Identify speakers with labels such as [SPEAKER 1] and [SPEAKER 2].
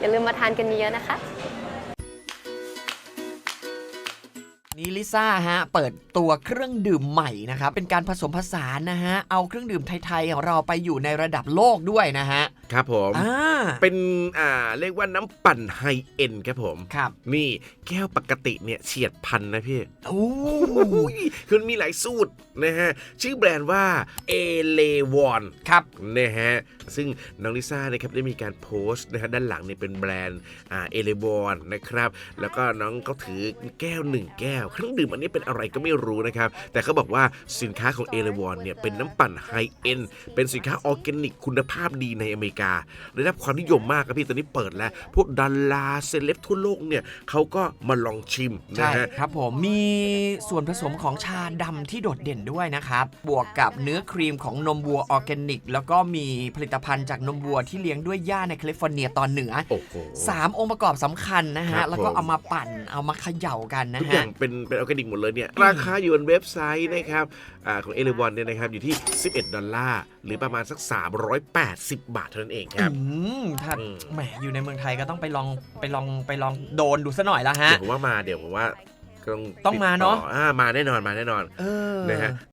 [SPEAKER 1] อย่าลืมมาทานกันเยอะๆนะคะ
[SPEAKER 2] นี่ลิซ่าฮะเปิดตัวเครื่องดื่มใหม่นะครับเป็นการผสมผสานนะฮะเอาเครื่องดื่มไทยๆของเราไปอยู่ในระดับโลกด้วยนะฮะ
[SPEAKER 3] ครับผมเป็นเรียกว่าน้ำปั่นไฮเอ็นครับผม
[SPEAKER 2] ครับ
[SPEAKER 3] นี่แก้วปกติเนี่ยเฉียดพันนะพี่
[SPEAKER 2] โอ้
[SPEAKER 3] คือมีหลายสูตรนะฮะชื่อแบรนด์ว่าเอเลวอน
[SPEAKER 2] ครับ
[SPEAKER 3] นะฮะซึ่งน้องลิซ่านะครับได้มีการโพสต์นะฮะด้านหลังเนี่ยเป็นแบรนด์เอเลวอนนะครับแล้วก็น้องก็ถือแก้ว1แก้วเครื่องดื่มอันนี้เป็นอะไรก็ไม่รู้นะครับแต่เขาบอกว่าสินค้าของเอเลวอนเนี่ยเป็นน้ำปั่นไฮเอ็นเป็นสินค้าออร์แกนิกคุณภาพดีในอเมริกาได้รับความนิยมมากครับพี่ตอนนี้เปิดแล้วพวกดาราเซเลบทั่วโลกเนี่ยเขาก็มาลองชิมนะฮะ
[SPEAKER 2] ครับผมมีส่วนผสมของชาดำที่โดดเด่นด้วยนะครับบวกกับเนื้อครีมของนมวัวออร์แกนิกแล้วก็มีผลิตภัณฑ์จากนมวัวที่เลี้ยงด้วยหญ้าในแคลิฟอร์เนียตอนเหนือ3องค์ประกอบสำคัญนะฮะแล้วก็เอามาปั่นเอามาเขย่ากันนะฮะ
[SPEAKER 3] ทุกอย่างเป็นออร์แกนิกหมดเลยเนี่ยราคาอยู่บนเว็บไซต์นะครับของเอเลวอนเนี่ยนะครับอยู่ที่$11หรือประมาณสัก380 บาทเท่านั้นเองครับ
[SPEAKER 2] ถ้าแหมอยู่ในเมืองไทยก็ต้องไปลองโดนดูซะหน่อยละฮะ
[SPEAKER 3] เดี๋ยวผมว่าต้อง
[SPEAKER 2] มาเนาะ
[SPEAKER 3] มาแน่นอนนะฮะ